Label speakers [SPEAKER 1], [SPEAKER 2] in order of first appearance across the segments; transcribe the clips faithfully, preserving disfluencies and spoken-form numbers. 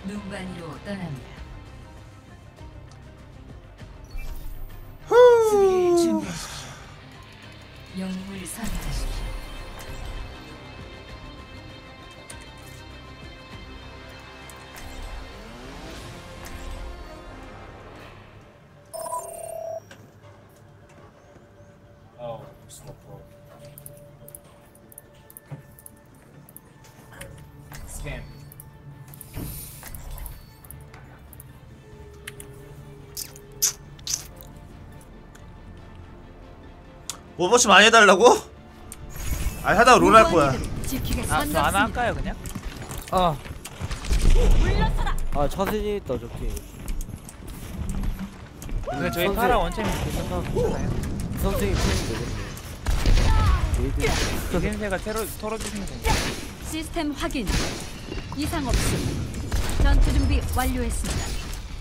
[SPEAKER 1] 눈반이로 떠납니다.
[SPEAKER 2] 후.
[SPEAKER 1] 수비를 준비하십시오. 영웅을 선택하십시오.
[SPEAKER 2] 오버워치 많이 해달라고? 아니 하다가 롤 할 거야.
[SPEAKER 3] 아, 저 하나 할까요 그냥?
[SPEAKER 4] 아. 아, 차선이 있다, 저기.
[SPEAKER 3] 근데 저희 파라 원챔이 괜찮나요?
[SPEAKER 4] 선생이 푸는 되겠네.
[SPEAKER 3] 기생새가 테러, 털어주시면 됩니다.
[SPEAKER 5] 시스템 확인. 이상 없음. 전투 준비 완료했습니다.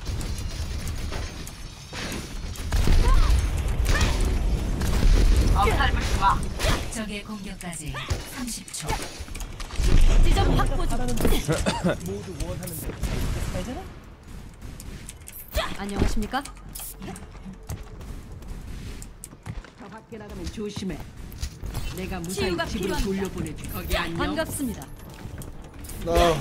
[SPEAKER 1] 적의 공격까지 삼십 초.
[SPEAKER 5] 지점 확보 중.
[SPEAKER 6] 모두 원하는데. 알잖아?
[SPEAKER 5] 안녕하십니까?
[SPEAKER 7] 더 밖에 나가면 조심해. 내가 무사히
[SPEAKER 5] 치유가
[SPEAKER 7] 집으로
[SPEAKER 5] 필요합니다.
[SPEAKER 7] 돌려보내줄 거기 안녕.
[SPEAKER 5] 반갑습니다.
[SPEAKER 2] 나.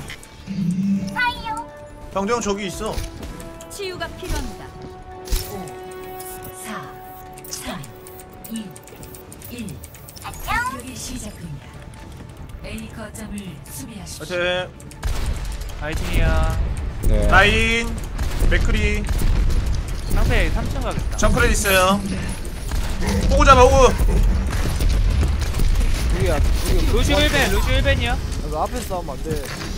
[SPEAKER 2] 병정 저기 있어.
[SPEAKER 5] 치유가 필요합니다.
[SPEAKER 1] 오, 사, 삼, 이, 일. 공격이 시작됩니다. A 거점을 수비하십시오.
[SPEAKER 2] 하여튼
[SPEAKER 3] 파이팅이야.
[SPEAKER 8] 네.
[SPEAKER 2] 라인 맥크리
[SPEAKER 3] 상대 삼 층 가겠다.
[SPEAKER 2] 정크렛 있어요. 호구 잡아 호구.
[SPEAKER 4] 우리야, 우리
[SPEAKER 3] 루시 일 벤, 루시 일 벤이야.
[SPEAKER 4] 그 앞에 싸우면 안 돼.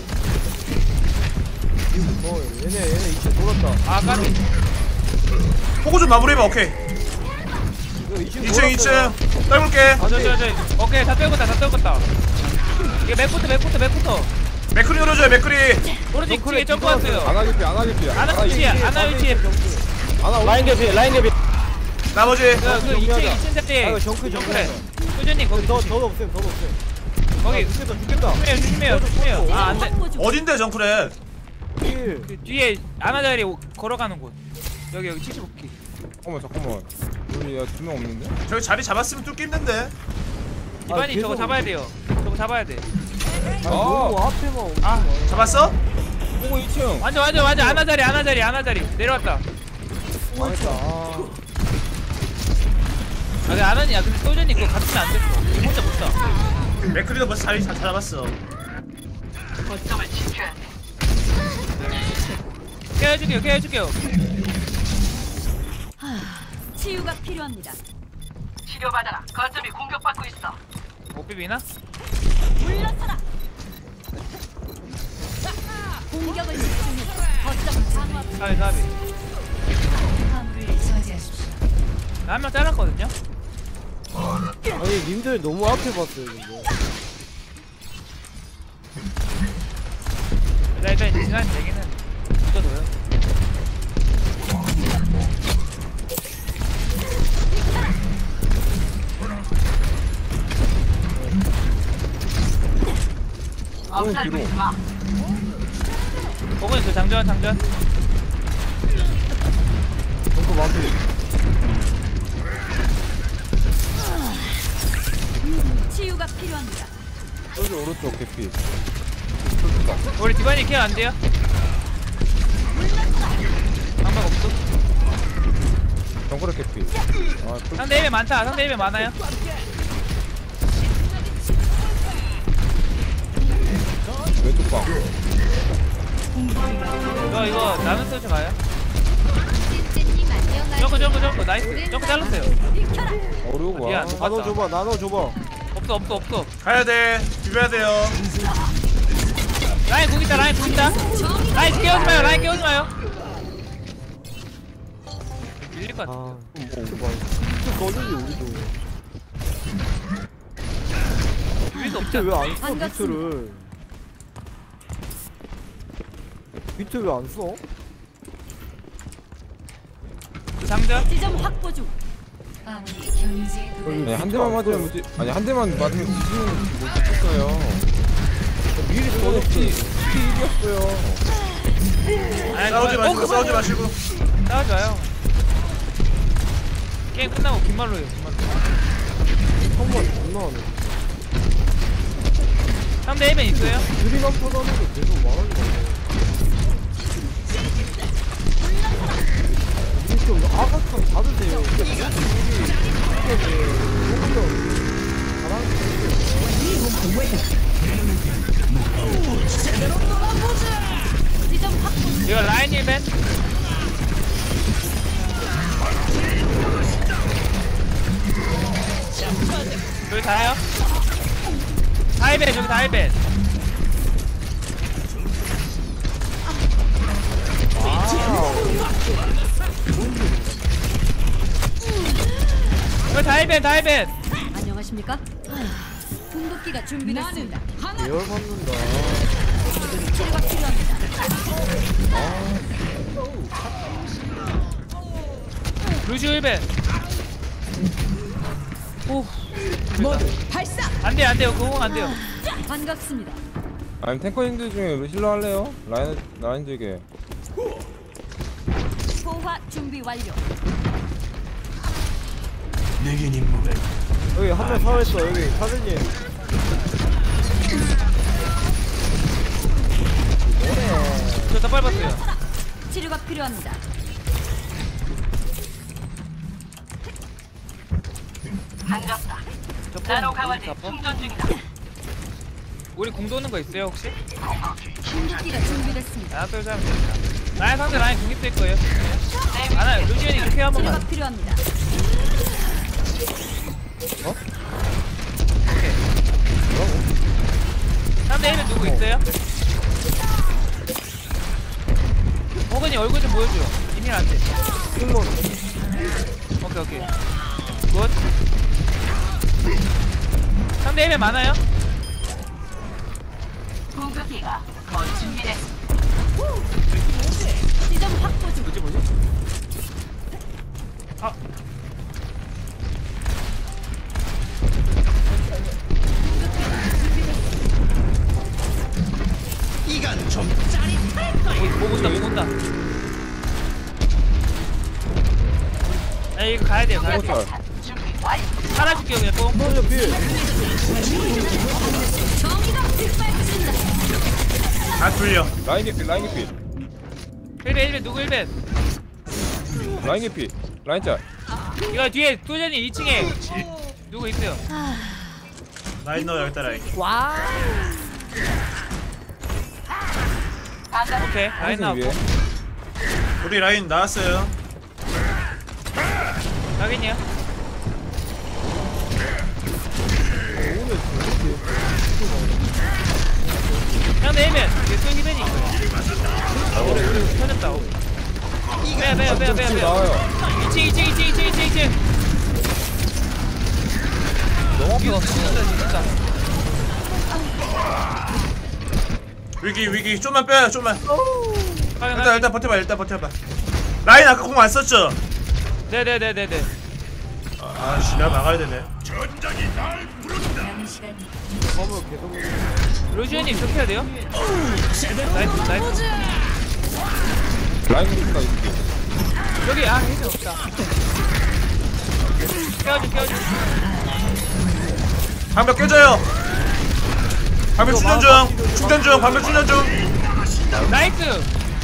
[SPEAKER 4] 어, 얘네, 얘네 이층 돌았다.
[SPEAKER 3] 아, 까비.
[SPEAKER 2] 호구 좀 마무리해봐. 오케이.
[SPEAKER 4] 이거 이층
[SPEAKER 2] 이 층 이 층 떨굴게.
[SPEAKER 3] 아, 저, 저, 저. 오케이, 다 떨궜다, 다 떨궜다. 이거 맥부터, 맥부터, 맥부터.
[SPEAKER 2] 맥크리 열어줘요. 맥크리.
[SPEAKER 3] 오른쪽 뒤에 점프 왔어요.
[SPEAKER 8] 안 하겠지 안 하겠지.
[SPEAKER 3] 아나 위치에, 아나 위치에.
[SPEAKER 8] 아나
[SPEAKER 4] 라인 개피, 라인 개피.
[SPEAKER 2] 나머지
[SPEAKER 3] 그, 그 이 층, 이 층 세대.
[SPEAKER 4] 아, 이거 정크, 정크.
[SPEAKER 3] 그래. 꾸준히 거기
[SPEAKER 4] 더,
[SPEAKER 3] 조심.
[SPEAKER 4] 더 없음, 더 없음.
[SPEAKER 3] 거기
[SPEAKER 4] 죽겠다, 죽겠다.
[SPEAKER 3] 조심해요, 조심해요, 조심해요. 아, 안 돼.
[SPEAKER 5] 확보 중.
[SPEAKER 2] 어딘데 정크렛?
[SPEAKER 4] 힐.
[SPEAKER 3] 그 뒤에 아나 자리 오- 걸어가는 곳. 여기, 여기 칠십오 키.
[SPEAKER 8] 잠깐만 잠깐만. 우리 두 명 없는데?
[SPEAKER 2] 저기 자리 잡았으면 뚫기 힘든데.
[SPEAKER 3] 이반이
[SPEAKER 4] 계속-
[SPEAKER 3] 저거 잡아야 돼요. 저거 잡아야 돼.
[SPEAKER 4] 아, 너무 앞에만 오지
[SPEAKER 3] 아.
[SPEAKER 4] 마.
[SPEAKER 2] 잡았어?
[SPEAKER 8] 호구 이 층.
[SPEAKER 3] 완전, 완전, 완전 아나 자리, 아나 자리, 아나 자리. 내려왔다.
[SPEAKER 4] 망했다. 아.
[SPEAKER 3] 아, 근데 아나니야. 근데 소전이 그거 같으면 안 됐어. 혼자 못 사.
[SPEAKER 2] 맥크리도 벌써 자리 다 잡았어.
[SPEAKER 7] 거점을 지켜야 돼.
[SPEAKER 3] 깨워줄게요, 깨워줄게요.
[SPEAKER 5] 치유가 필요합니다.
[SPEAKER 7] 치료받아라. 거점이 공격받고 있어.
[SPEAKER 3] 못 비비나?
[SPEAKER 5] 물러서라. 공격을 집중해서 거점 방어.
[SPEAKER 3] 가비, 가비.
[SPEAKER 1] 화물을 저지하십시오.
[SPEAKER 3] 한 명 잘랐거든요?
[SPEAKER 4] 아니, 님들 너무 앞에 봤어요, 근데.
[SPEAKER 3] 일단, 일단 시간 되기는 붙어둬요.
[SPEAKER 7] 엄살 부리지 마.
[SPEAKER 3] 거기는 저 장전, 장전.
[SPEAKER 4] 정크 마피.
[SPEAKER 5] 치유가 필요합니다.
[SPEAKER 8] 여기 오른쪽 개피.
[SPEAKER 3] 우리 디바니 케어 안 돼요? 방법 없어.
[SPEAKER 8] 정크렛 개피. 아 또.
[SPEAKER 3] 상대 일 벤 많다. 상대 일 벤 많아요.
[SPEAKER 8] 왼쪽 방.
[SPEAKER 3] 이거, 이거 나는 서치 가요? 점프, 점프, 점프. 나이스. 점프 잘랐어요.
[SPEAKER 8] 어려워 봐.
[SPEAKER 3] 미안.
[SPEAKER 4] 나눠 줘봐, 나눠 줘봐.
[SPEAKER 3] 없어, 없어, 없어.
[SPEAKER 2] 가야 돼. 비벼야 돼요.
[SPEAKER 3] 라인 국 있다, 라인 국 있다. 라인 깨우지 마요, 라인 깨우지 마요. 밀릴 것 같아.
[SPEAKER 4] 아, 이거 봐. 진짜 거슬리, 우리도.
[SPEAKER 3] 비빌도 없지
[SPEAKER 4] 밑에
[SPEAKER 3] 않나?
[SPEAKER 4] 왜안 써,
[SPEAKER 5] 반갑습니다.
[SPEAKER 4] 비트를? 비트 왜 안 써?
[SPEAKER 3] 장전?
[SPEAKER 5] 지점 확보 중.
[SPEAKER 1] 아무리 경유지에
[SPEAKER 8] 아니
[SPEAKER 1] 도달.
[SPEAKER 8] 한 대만 맞으면 뭐지? 아니 한 대만 맞으면 뒤지는 못 죽겠어요.
[SPEAKER 4] 미리
[SPEAKER 8] 저는
[SPEAKER 4] 써줬지.
[SPEAKER 8] 피 일이었어요.
[SPEAKER 3] 아니,
[SPEAKER 2] 싸우지
[SPEAKER 3] 어,
[SPEAKER 2] 마시고
[SPEAKER 3] 그만.
[SPEAKER 2] 싸우지 마시고.
[SPEAKER 3] 싸우지 마요. 게임 끝나고 긴 말로 해요. 긴 말로.
[SPEAKER 4] 한번 존나 하네.
[SPEAKER 3] 상대 에이맨 있어요?
[SPEAKER 4] 드림 한 번 하는 게 계속 말하는 거 같아. 이게 좀 아가창 받으세요. 근데 무슨 일이 이게 조금 더 잘하는
[SPEAKER 5] 지점 확보.
[SPEAKER 3] 이거 라인 힐맨? 저기 다요? 다이벤 저기 다이벤. 저기 다이벤 다이벤.
[SPEAKER 5] 안녕하십니까? 궁극기가 준비됐습니다.
[SPEAKER 4] 계열 받는다.
[SPEAKER 5] 치료가 필요합니다.
[SPEAKER 3] 루시오 힐벤. 오.
[SPEAKER 7] 모두 발사.
[SPEAKER 3] 안돼 안돼요 그거 안돼요.
[SPEAKER 5] 반갑습니다.
[SPEAKER 8] 아니 탱커님들 중에 루실러 할래요? 라인 라인 들게.
[SPEAKER 5] 소화 준비 완료.
[SPEAKER 4] 여기 한 명 살아있어. 여기 사장님.
[SPEAKER 3] 저다 밟았어요.
[SPEAKER 5] 치료가 필요합니다.
[SPEAKER 3] 나노 강화제 충전 중이다. 우리 공 도는 거 있어요 혹시?
[SPEAKER 5] 궁극기가 준비됐습니다.
[SPEAKER 3] 하나 둘 셋. 라인 상대 라인 공 있을 거예요. 아나 루시언이 이렇게 한 번만.
[SPEAKER 5] 치료가 필요합니다.
[SPEAKER 3] 오케이. 상대 힐은 누구 있어요? 호근이 얼굴 좀 보여줘. 이밀 안 돼.
[SPEAKER 4] 승무원.
[SPEAKER 3] 오케이 오케이. 굿. 상대 힐은 많아요?
[SPEAKER 1] 공격기가 거의 준비됐습니다.
[SPEAKER 5] 지점 확보 중.
[SPEAKER 3] 뭐지 뭐지? 아.
[SPEAKER 6] 이건 좀
[SPEAKER 3] 못 온다 못 온다. 아 이거 가야 돼요 가야 돼.
[SPEAKER 8] 잘.
[SPEAKER 3] 살아줄게요 그냥 뽕.
[SPEAKER 4] 먼저 필.
[SPEAKER 5] 정의가 빗발친다.
[SPEAKER 2] 다 뚫려.
[SPEAKER 8] 라인 개피 라인 개피
[SPEAKER 3] 힐벤 힐벤 누구 힐벤?
[SPEAKER 8] 라인 개피 라인 짤.
[SPEAKER 3] 이거 뒤에 소전이 이 층에 누구 있어요?
[SPEAKER 2] 라인 넣어 여기다 라인.
[SPEAKER 3] 오케이 라인
[SPEAKER 8] 한승
[SPEAKER 3] 나왔고
[SPEAKER 8] 위에.
[SPEAKER 2] 우리 라인 나왔어요.
[SPEAKER 3] 확인이요. 상대 힐벤 이게 또 힐벤이 있어요. 우리 우리 터졌다. 빼야 빼야 빼야 빼야
[SPEAKER 8] 지금
[SPEAKER 3] 빼야.
[SPEAKER 8] 나와요.
[SPEAKER 3] 이 층 이 층 이 층 이 층 이 층 이 층.
[SPEAKER 8] 너무 앞에
[SPEAKER 3] 이거
[SPEAKER 8] 갔어.
[SPEAKER 3] 진짜 진짜.
[SPEAKER 2] 위기 위기 좀만 빼요 좀만.
[SPEAKER 3] 확인
[SPEAKER 2] 일단
[SPEAKER 3] 확인.
[SPEAKER 2] 일단 버텨봐 일단 버텨봐. 라인 아까 공 안 썼죠?
[SPEAKER 3] 네네네네네.
[SPEAKER 2] 아씨 내가 막아야 되네.
[SPEAKER 1] 남은 시간
[SPEAKER 4] 화물 계속.
[SPEAKER 3] 루시언님 좋게 해야 돼요? 나이스 나이스.
[SPEAKER 8] 라인 개피가 있을게.
[SPEAKER 3] 여기 아 힐벤 없다. 깨워줘 깨워줘.
[SPEAKER 2] 방벽 깨져요. 방벽 충전 중. 충전 중. 방벽 충전 중.
[SPEAKER 3] 나이스.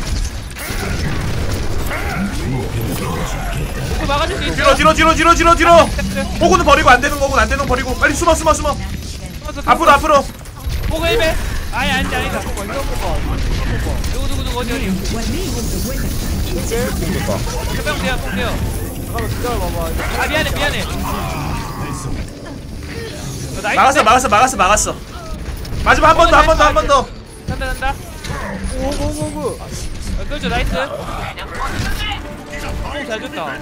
[SPEAKER 3] 이거 막아줄 수 있어.
[SPEAKER 2] 뒤로 뒤로 뒤로 뒤로 뒤로 뒤로. 호구는 버리고 안 되는 거고 안 되는 거 버리고 빨리 숨어 숨어 숨어. 앞으로 앞으로.
[SPEAKER 3] 보고 힐벤. 아니 아니 아니다. 누구 누구 누구 어디 어디.
[SPEAKER 8] 됐다.
[SPEAKER 3] 해병 돼요 뽕 돼요.
[SPEAKER 4] 잠깐만 기다려봐봐.
[SPEAKER 3] 아 미안해 미안해. 어, 나이스.
[SPEAKER 2] 막았어 막았어 막았어 막았어. 마지막 한 번 더 한 번 더 한 번 더.
[SPEAKER 3] 간다 간다.
[SPEAKER 4] 오고고고.
[SPEAKER 3] 어, 그렇죠 나이스. 뽕잘 줬다.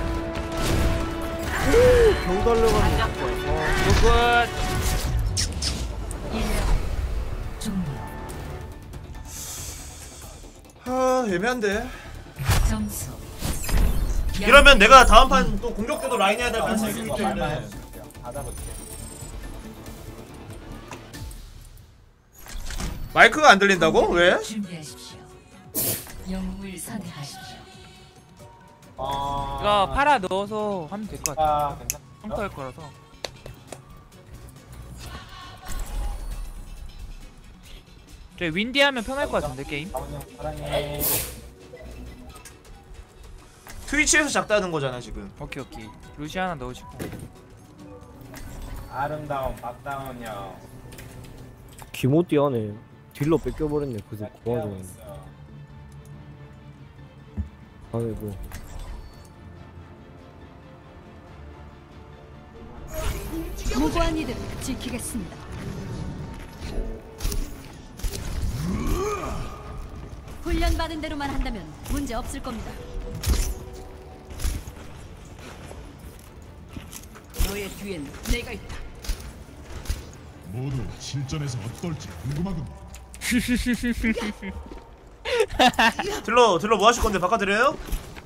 [SPEAKER 4] 겨우 달려가는 거.
[SPEAKER 3] 굿.
[SPEAKER 1] 종료.
[SPEAKER 2] 아 애매한데.
[SPEAKER 1] 점수.
[SPEAKER 2] 이러면 내가 다음 판 또 공격 때도 라인 해야 될 가능성이 있기 때문에. 마이크가 안 들린다고? 왜?
[SPEAKER 1] 준비하십시오. 영웅을 선택하십시오.
[SPEAKER 3] 이거 팔아 넣어서 하면 될 것 같아.
[SPEAKER 8] 아 괜찮아.
[SPEAKER 3] 평가할 거라서. 저 윈디 하면 편할 것 같은데 게임.
[SPEAKER 8] 사랑해.
[SPEAKER 2] 트위치에서 작다는 거잖아 지금.
[SPEAKER 3] 오케이 오케이. 루시 하나 넣으시고.
[SPEAKER 8] 아름다운 박다운이요.
[SPEAKER 4] 기모띠 하네. 딜러 뺏겨버렸네. 그새 그 와중에. 아이고.
[SPEAKER 5] 무고한 이들 지키겠습니다. 훈련받은 대로만 한다면 문제 없을 겁니다.
[SPEAKER 7] 너의 뒤엔 내가 있다.
[SPEAKER 9] 모두 실전에서 어떨지 궁금하군.
[SPEAKER 2] 들러 들러 뭐 하실 건데 바꿔드려요?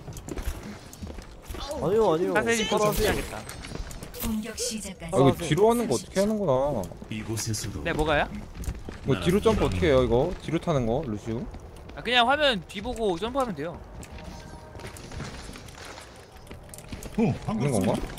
[SPEAKER 4] 아니요 아니요.
[SPEAKER 3] 사세지 좀 해야겠다.
[SPEAKER 1] 공격 시작까지
[SPEAKER 8] 아 이거 뒤로 하는 거 어떻게 하는구나.
[SPEAKER 9] 이곳에서도
[SPEAKER 3] 네 뭐가요?
[SPEAKER 8] 이거 뒤로 점프 어떻게 해요 이거? 뒤로 타는 거 루시우?
[SPEAKER 3] 아, 그냥 화면 뒤보고 점프하면 돼요.
[SPEAKER 9] 어,
[SPEAKER 8] 있는
[SPEAKER 9] 반갑습니다.
[SPEAKER 8] 건가?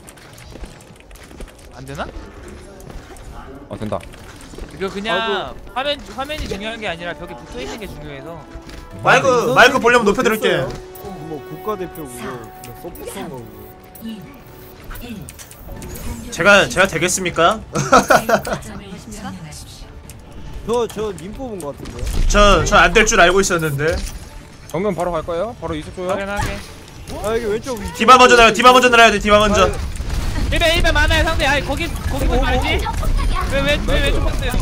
[SPEAKER 3] 안 되나?
[SPEAKER 8] 아 된다.
[SPEAKER 3] 이거 그냥 화면 화면이 중요한 게 아니라 벽에 붙어 있는 게 중요해서.
[SPEAKER 2] 마이크 마이크 볼륨 높여드릴게.
[SPEAKER 4] 뭐 국가대표고 뭐 서포터인 거고.
[SPEAKER 1] 이, 일.
[SPEAKER 2] 제가 제가 되겠습니까?
[SPEAKER 1] 점을 점령하십시오.
[SPEAKER 4] 저저님 뽑은 거 같은데.
[SPEAKER 2] 저저 안 될 줄 알고 있었는데.
[SPEAKER 8] 정면 바로 갈 거예요? 바로 이속 줘요?
[SPEAKER 3] 확연하게.
[SPEAKER 4] 아 이게 왼쪽 위쪽.
[SPEAKER 2] 디바 먼저 나요. 디바 먼저 날아야 돼. 디바 먼저.
[SPEAKER 3] 일배 일배 많아요 상대. 아니 거기 거기 보지 말지. 왜왜왜 왼쪽 봤어요?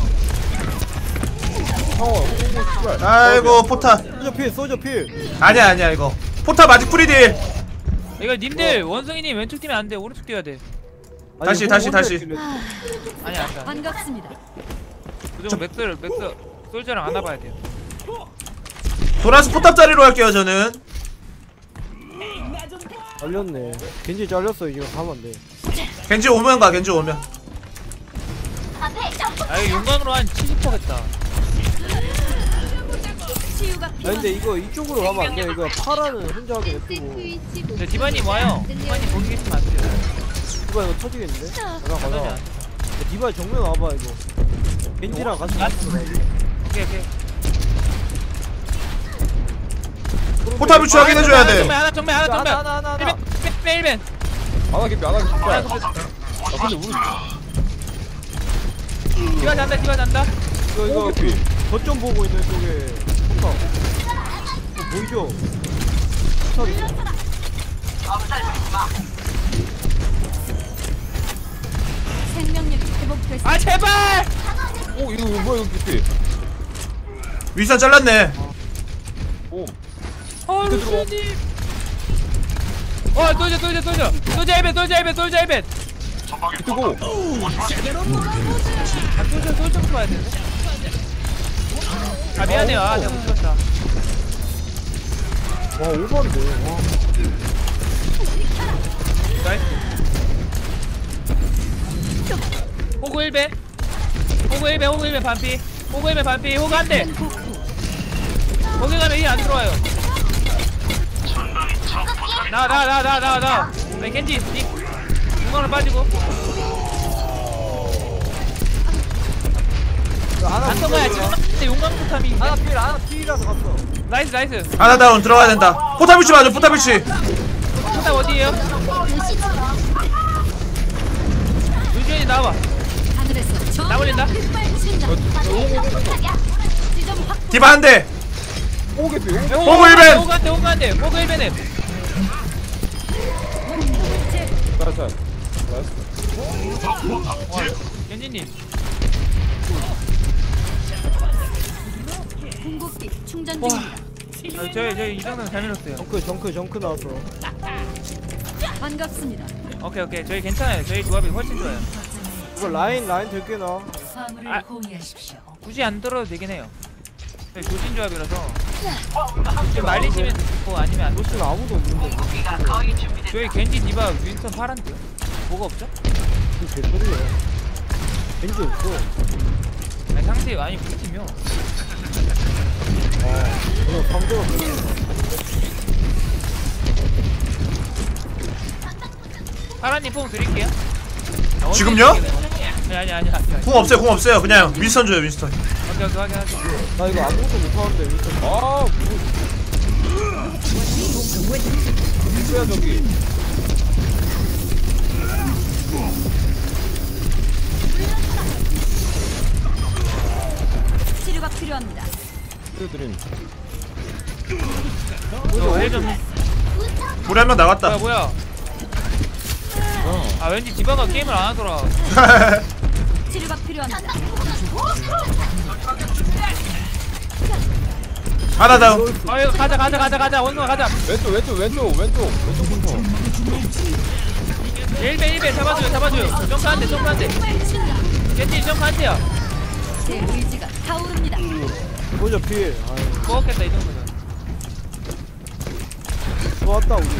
[SPEAKER 8] 어, 씨발.
[SPEAKER 2] 아이고 포탑.
[SPEAKER 4] 소저 필 소저 필.
[SPEAKER 2] 아니야 아니야 이거. 포탑 아직 프리딜.
[SPEAKER 3] 이거 님들 원숭이님 왼쪽 뛰면 안 돼. 오른쪽 뛰어야 돼.
[SPEAKER 4] 아니,
[SPEAKER 2] 다시,
[SPEAKER 4] 혼-
[SPEAKER 2] 다시,
[SPEAKER 4] 혼자
[SPEAKER 2] 다시.
[SPEAKER 4] 있길래.
[SPEAKER 3] 아니 안 돼.
[SPEAKER 5] 반갑습니다.
[SPEAKER 3] 무조건 맥스를 맥스 솔저랑 안아봐야 돼요.
[SPEAKER 2] 돌아서 포탑 자리로 할게요 저는.
[SPEAKER 4] 잘렸네. 겐지 잘렸어. 이거 가면 안 돼.
[SPEAKER 2] 겐지 오면 가. 겐지 오면.
[SPEAKER 3] 아 이거 용광으로 한 칠십 퍼센트겠다.
[SPEAKER 5] 치유가
[SPEAKER 4] 아
[SPEAKER 5] 필요한
[SPEAKER 4] 근데 이거 이쪽으로 가면 안 돼. 이거 파라는 혼자 하게 냅두고.
[SPEAKER 3] 근데 디바님 와요. 디바님 거기 계시면 안 돼요.
[SPEAKER 4] 디바 이거 터지겠는데? 가자
[SPEAKER 3] 가자.
[SPEAKER 4] 가자. 디바 정면 와봐 이거. 겐지랑 같이
[SPEAKER 3] 아,
[SPEAKER 4] 갔어.
[SPEAKER 3] 오케이 오케이.
[SPEAKER 2] 포탑을 추하게 해줘야 돼.
[SPEAKER 3] 정면 하나 정면 하나
[SPEAKER 4] 하나
[SPEAKER 3] 정면.
[SPEAKER 4] 하나 하나 하나.
[SPEAKER 3] 일벤 일벤.
[SPEAKER 8] 안 하겠지 안 하겠지.
[SPEAKER 3] 아,
[SPEAKER 8] 씨발. 아 근데 우리
[SPEAKER 3] 디바 잔다 디바 잔다.
[SPEAKER 4] 이거 이거
[SPEAKER 8] 오케이.
[SPEAKER 4] 거점 보고 있는 쪽에 포탑. 어, 보이죠? 포탑이.
[SPEAKER 5] 생명력이 회복됐습니다.
[SPEAKER 3] 아 제발.
[SPEAKER 8] 오 이거 이거 뭐야 이거 깊이.
[SPEAKER 2] 윗선 잘랐네.
[SPEAKER 8] 오.
[SPEAKER 3] 어 루시님. 어 돌자 돌자 돌자. 돌자 일벤 돌자 일벤 돌자 일벤.
[SPEAKER 8] 뜨고.
[SPEAKER 3] 아 돌자 돌자 봐야 되는데. 아 미안해요. 아 내가 못 찍었다.
[SPEAKER 4] 와 오버인데. 와.
[SPEAKER 3] 나이스. 호구 일벤. 호구 일벤 호구 일벤 반피. 호구 일벤 반피. 호구 한 대. 거기 가면 이안 들어와요. 나 나 나 나 나 나. 네 겐지 닉. 중간으로 빠지고. 안 통과야 지금. 근데 용광 포탑이.
[SPEAKER 4] 하나 필 하나 필이라서 갔어.
[SPEAKER 3] 나이스 나이스.
[SPEAKER 2] 하나 다운 들어가야 된다. 포탑 위치 맞아. 포탑 위치.
[SPEAKER 3] 포탑 어디에요? 루시언이 나와봐.
[SPEAKER 5] 하늘에서 저
[SPEAKER 3] 나올린다.
[SPEAKER 5] 휘발친다. 지점 확
[SPEAKER 2] 디바 한 대.
[SPEAKER 8] 오 깊이.
[SPEAKER 2] 호구 일벤!
[SPEAKER 3] 호구 한대 호구 한대 호구 일벤에.
[SPEAKER 8] 자자.
[SPEAKER 3] 겐지님.
[SPEAKER 5] 궁극기 충전
[SPEAKER 3] 와.
[SPEAKER 5] 중입니다.
[SPEAKER 3] 아, 저희 저희 이 정도는 잘 밀었어요.
[SPEAKER 4] 정크 정크 정크 나왔어.
[SPEAKER 5] 반갑습니다.
[SPEAKER 3] 오케이 오케이 저희 괜찮아요. 저희 조합이 훨씬 좋아요.
[SPEAKER 4] 이거 라인 라인 들게 나.
[SPEAKER 1] 화물을
[SPEAKER 3] 아.
[SPEAKER 1] 호위하십시오.
[SPEAKER 3] 굳이 안 들어도 되긴 해요. 저희 조진 조합이라서 지금 말리시면 듣고 아니면 안
[SPEAKER 4] 로스는 아무도 없는데.
[SPEAKER 3] 저희 겐지 디바 윈스턴 파란데요? 뭐가 없죠?
[SPEAKER 4] 이거 개소리야. 겐지 없어.
[SPEAKER 3] 아니 상대 아니 우리 팀이요.
[SPEAKER 4] 그냥 상대가
[SPEAKER 3] 파란님 뽕 드릴게요. 아,
[SPEAKER 2] 지금요?
[SPEAKER 3] 아니 아니 아니 아니.
[SPEAKER 2] 궁 없어요 궁 없어요. 그냥 윈스턴 줘요 윈스턴.
[SPEAKER 3] 오케이 오케이 확인 확인.
[SPEAKER 4] 나 이거 아무것도 못하는데 윈스턴. 아 뭐. 뭐야 저기.
[SPEAKER 5] 치료가 필요합니다.
[SPEAKER 8] 드림.
[SPEAKER 3] 저힐좀
[SPEAKER 2] 우리 한 명 나갔다.
[SPEAKER 3] 뭐야 뭐야. 아 왠지 디바가 게임을 안 하더라.
[SPEAKER 5] 치료가 필요합니다.
[SPEAKER 2] 하나 다운.
[SPEAKER 3] 아 이거 가자 가자 가자 가자 원숭아 가자.
[SPEAKER 8] 왼쪽 왼쪽 왼쪽 왼쪽 왼쪽 분터.
[SPEAKER 3] 일 배 일 배 잡아줘요 잡아줘요. 점프 한대 점프 한대. 겐지 점프 한대요.
[SPEAKER 5] 제 의지가 타오릅니다.
[SPEAKER 4] 보자 필. 아유
[SPEAKER 3] 먹었겠다 이 정도면.
[SPEAKER 4] 좋았다 우리.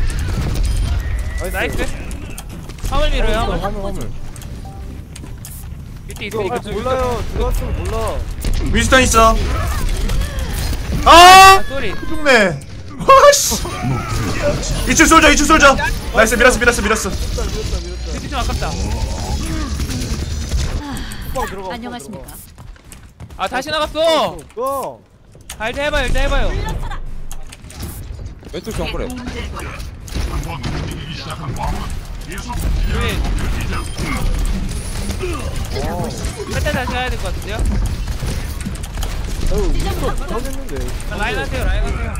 [SPEAKER 3] 나이스. 화물 밀어요 화물.
[SPEAKER 8] 화물 화물.
[SPEAKER 3] 밑에
[SPEAKER 4] 이거
[SPEAKER 3] 있으니까
[SPEAKER 4] 아, 몰라요. 들어왔으면 몰라.
[SPEAKER 2] 윈스턴 있어. 아!
[SPEAKER 3] 아 쏘리.
[SPEAKER 2] 죽네. 와씨. 이층 솔져 이층 솔져. 나이스 밀었어 밀었어 밀었어.
[SPEAKER 3] 겐지 좀 아깝다.
[SPEAKER 4] 후방 들어가.
[SPEAKER 5] 안녕하십니까?
[SPEAKER 3] 아 다시 나갔어.
[SPEAKER 4] 고.
[SPEAKER 3] 아 일단 해봐요 일단 해봐요.
[SPEAKER 8] 왼쪽 정글에.
[SPEAKER 3] 우리 살짝 다시 가야 될 것 같은데요?
[SPEAKER 4] 아유 윈스턴 못하겠는데.
[SPEAKER 3] 아, 라인 하세요 라인 하세요.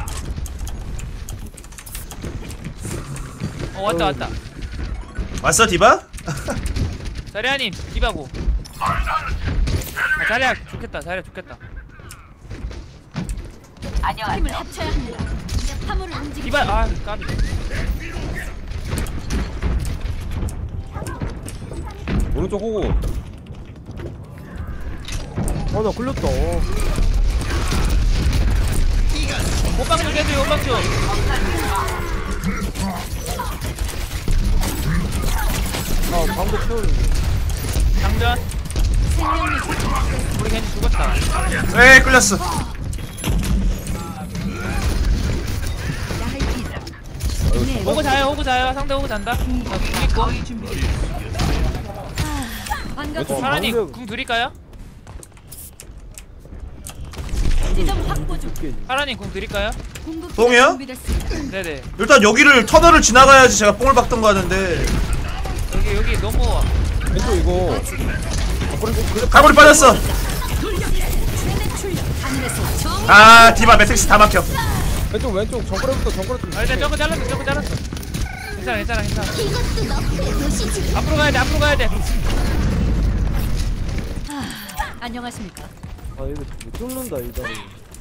[SPEAKER 3] 어 왔다 왔다.
[SPEAKER 2] 왔어 디바?
[SPEAKER 3] 자리아님 디바고. 아, 자리아 좋겠다 자리아 좋겠다.
[SPEAKER 5] 힘을 합쳐야 합니다. 화물을 움직이.
[SPEAKER 3] 디바 아 까비.
[SPEAKER 8] 오른쪽 호구.
[SPEAKER 4] 아나 걸렸다.
[SPEAKER 3] 호빵 좀 해줘요 호빵 좀.
[SPEAKER 4] 아 방금 채우는데.
[SPEAKER 3] 장전. 우리 겐지 죽었다.
[SPEAKER 2] 에이 끌렸어.
[SPEAKER 3] 호구 자요 호구 자요 상대 호구 잔다. 나궁 있고.
[SPEAKER 5] 반갑습니다.
[SPEAKER 3] 사라님
[SPEAKER 4] 방금-
[SPEAKER 3] 궁 드릴까요?
[SPEAKER 5] 지점 확보 중.
[SPEAKER 3] 사라님 궁 드릴까요?
[SPEAKER 5] 공급
[SPEAKER 2] 뽕이요?
[SPEAKER 5] 준비됐습니다.
[SPEAKER 3] 네네.
[SPEAKER 2] 일단 여기를 터널을 지나가야지 제가 뽕을 박던 거 하는데.
[SPEAKER 3] 여기 여기 너무
[SPEAKER 8] 왼쪽 이거.
[SPEAKER 2] 가골이 빠졌어.
[SPEAKER 5] 하늘에서 정.
[SPEAKER 2] 아 디바 매트릭스 다 막혀.
[SPEAKER 8] 왼쪽 왼쪽 정글에부터 정글에 좀.
[SPEAKER 3] 아 일단 점프 잘랐어 점프 잘랐어. 괜찮아 괜찮아 괜찮아. 앞으로 가야 돼 앞으로 가야 돼.
[SPEAKER 5] 안녕하십니까?
[SPEAKER 4] 아 이거 못 뚫는다 이 다리.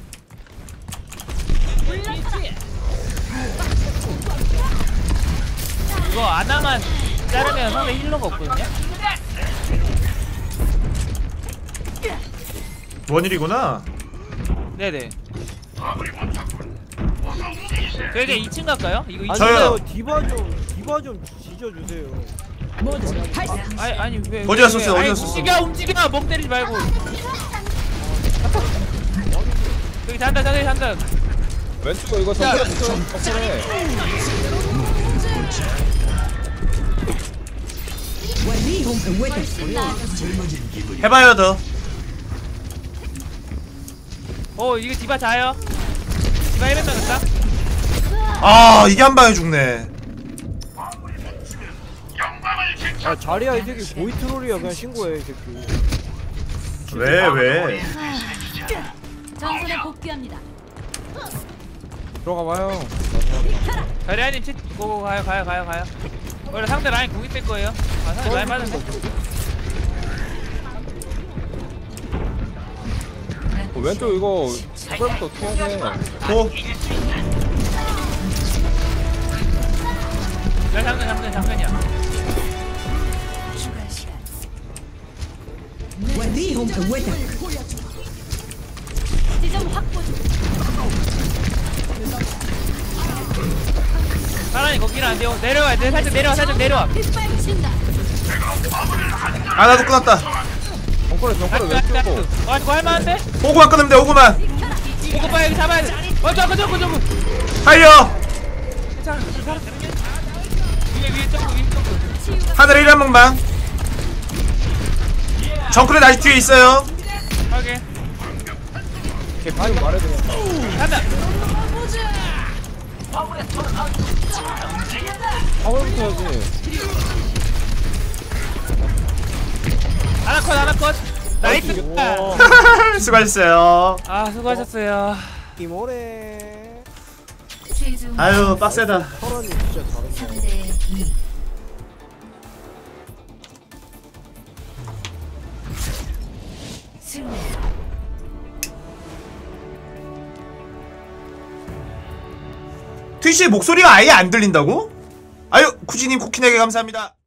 [SPEAKER 3] 이거 아나만 자르면 상대 힐러가 없거든요.
[SPEAKER 2] 원일이구나.
[SPEAKER 3] 네네. 저 이제 이 층 갈까요? 이거 이 층.
[SPEAKER 2] 저요.
[SPEAKER 4] 아니요 디바 좀 디바 좀 지져주세요.
[SPEAKER 3] 아니 아니 왜?
[SPEAKER 2] 어디
[SPEAKER 3] 왜,
[SPEAKER 2] 갔었어요?
[SPEAKER 3] 왜?
[SPEAKER 2] 어디
[SPEAKER 3] 아니,
[SPEAKER 2] 갔었어?
[SPEAKER 3] 움직여 움직여 멍 때리지 말고. 여기 잔다 잔다 잔다.
[SPEAKER 8] 왼쪽 이거 정글에부터 정글에.
[SPEAKER 2] 해봐요 더.
[SPEAKER 3] 어 이거 디바 자요. 디바 일 면 나갔다.
[SPEAKER 2] 아 이게 한 방에 죽네.
[SPEAKER 4] 아 자리야 이 새끼 고이 트롤이야 그냥 신고해 이 새끼.
[SPEAKER 2] 왜 왜?
[SPEAKER 5] 전선에 복귀합니다.
[SPEAKER 8] 들어가 봐요.
[SPEAKER 3] 자리아님 치 고고 가요 가요 가요 가요. 원래 상대 라인 궁이 뜰 거예요. 아 상대 라인 맞는데.
[SPEAKER 8] 어, 왼쪽 이거 정글에부터 어떻게 해야 돼?
[SPEAKER 2] 고.
[SPEAKER 3] 야 장전 장전 장전이야.
[SPEAKER 1] 추가 시간.
[SPEAKER 5] 지점 확보 중.
[SPEAKER 3] 사람이 거기는 안 돼요. 내려와 내 살짝 내려와 살짝 내려와.
[SPEAKER 5] 빗발친다.
[SPEAKER 2] 아 나도 끊었다.
[SPEAKER 8] 정글에 정글에 왼쪽 거.
[SPEAKER 3] 와 이거 할만한데?
[SPEAKER 2] 호구만 끊으면 돼 호구만.
[SPEAKER 3] 보고 봐 여기 잡아야 돼. 어 저거 저거 저거.
[SPEAKER 2] 하이어.
[SPEAKER 3] 괜찮아 괜찮아. 위에 위에 점프 위에 점프.
[SPEAKER 2] 하늘에 일 한 번만. 정크레 다시 뒤에 있어요.
[SPEAKER 3] 하게.
[SPEAKER 8] 개피 좀 말해 그냥.
[SPEAKER 3] 간다.
[SPEAKER 8] 화물부터 해야지.
[SPEAKER 3] 하나 컷 하나 컷. 나이스.
[SPEAKER 2] 수고하셨어요.
[SPEAKER 3] 아 수고하셨어요.
[SPEAKER 4] 이모래.
[SPEAKER 1] 최종
[SPEAKER 2] 아유 빡세다.
[SPEAKER 4] 서런이 진짜 잘한다.
[SPEAKER 1] 삼 대 이. 승리.
[SPEAKER 2] 트위치의 목소리가 아예 안 들린다고? 아유 쿠지님 쿠키네게 감사합니다.